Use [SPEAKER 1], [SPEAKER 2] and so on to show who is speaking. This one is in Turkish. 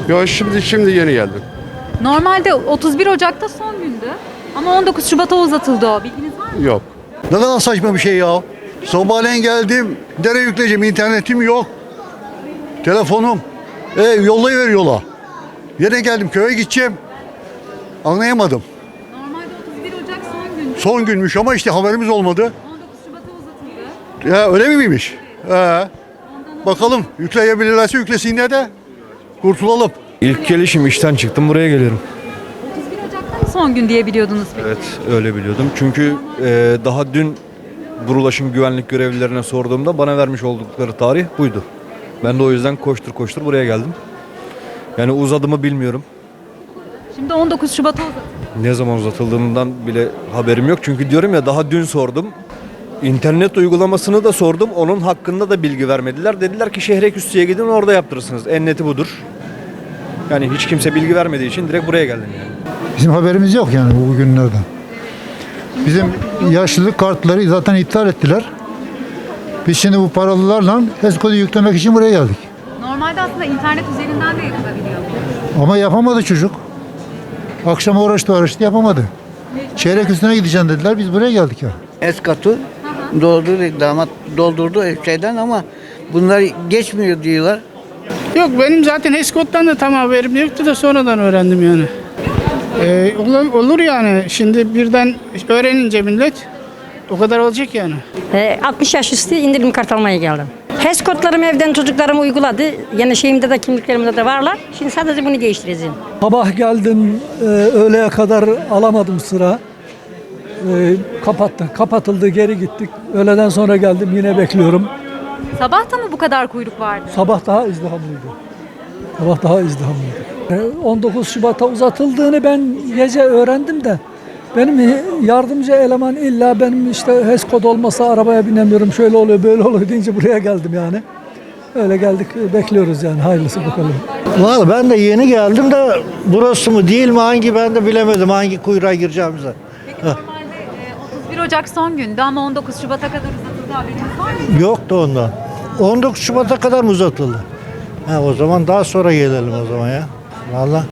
[SPEAKER 1] Yo, şimdi yeni geldim.
[SPEAKER 2] Normalde 31 Ocak'ta son gündü. Ama 19 Şubat'a uzatıldı o. Bilginiz var mı?
[SPEAKER 1] Yok.
[SPEAKER 3] Ne kadar saçma bir şey ya. Sabahleyin geldim. Nereye yükleyeceğim? İnternetim yok. Telefonum. Yollayıver yola. Yine geldim, köye gideceğim. Anlayamadım.
[SPEAKER 2] Normalde 31 Ocak son gündü.
[SPEAKER 3] Son günmüş ama işte haberimiz olmadı.
[SPEAKER 2] 19 Şubat'a uzatıldı.
[SPEAKER 3] Ya öyle miymiş? Bakalım, yükleyebilirlerse yüklesinler de kurtulalım.
[SPEAKER 4] İlk gelişim, işten çıktım, buraya geliyorum.
[SPEAKER 2] 31 Ocak'ta mı son gün diye biliyordunuz peki?
[SPEAKER 4] Evet, öyle biliyordum. Çünkü daha dün Burulaş'ın güvenlik görevlilerine sorduğumda bana vermiş oldukları tarih buydu. Ben de o yüzden koştur koştur buraya geldim. Yani uzadı mı bilmiyorum.
[SPEAKER 2] Şimdi 19 Şubat'a uzatıldı.
[SPEAKER 4] Ne zaman uzatıldığından bile haberim yok. Çünkü diyorum ya, daha dün sordum. İnternet uygulamasını da sordum. Onun hakkında da bilgi vermediler. Dediler ki Şehreküstü'ye gidin, orada yaptırırsınız. En neti budur. Yani hiç kimse bilgi vermediği için direkt buraya geldim yani.
[SPEAKER 5] Bizim haberimiz yok yani bu günlerden. Bizim yaşlılık kartları zaten iptal ettiler. Biz şimdi bu paralılarla HES kodu yüklemek için buraya geldik.
[SPEAKER 2] Normalde aslında internet üzerinden de yapılabiliyor.
[SPEAKER 5] Ama yapamadı çocuk. Akşam uğraştı yapamadı. Çeyrek üstüne gideceğim dediler, biz buraya geldik ya.
[SPEAKER 6] Escat'ı doldurdu, damat doldurdu şeyden ama bunlar geçmiyor diyorlar.
[SPEAKER 7] Yok, benim zaten HESCOD'dan da tam haberim yoktu da sonradan öğrendim yani. Olur yani, şimdi birden öğrenince millet o kadar olacak yani.
[SPEAKER 8] 60 yaş üstü indirim kart almaya geldim. HES kodlarımı evden çocuklarım uyguladı. Yani şeyimde de kimliklerimde de varlar. Şimdi sadece bunu değiştireceğim.
[SPEAKER 9] Sabah geldim, öğleye kadar alamadım sıra. Kapatıldı, geri gittik. Öğleden sonra geldim, yine bekliyorum.
[SPEAKER 2] Sabah da mı bu kadar kuyruk vardı?
[SPEAKER 9] Sabah daha izdihamlıydı. 19 Şubat'a uzatıldığını ben gece öğrendim de benim yardımcı eleman illa benim işte HES kod olmasa arabaya binemiyorum, şöyle oluyor böyle oluyor deyince buraya geldim yani. Öyle geldik, bekliyoruz yani, hayırlısı bakalım.
[SPEAKER 10] Vallahi ben de yeni geldim de burası mı değil mi, hangi ben de bilemedim hangi kuyruğa gireceğimizi.
[SPEAKER 2] Peki normalde 31 Ocak son gündü ama 19 Şubat'a kadar uzatıldı, haberiniz var mı?
[SPEAKER 10] Yoktu ondan. 19 Şubat'a kadar mı uzatıldı? O zaman daha sonra gelelim o zaman ya. Vallahi.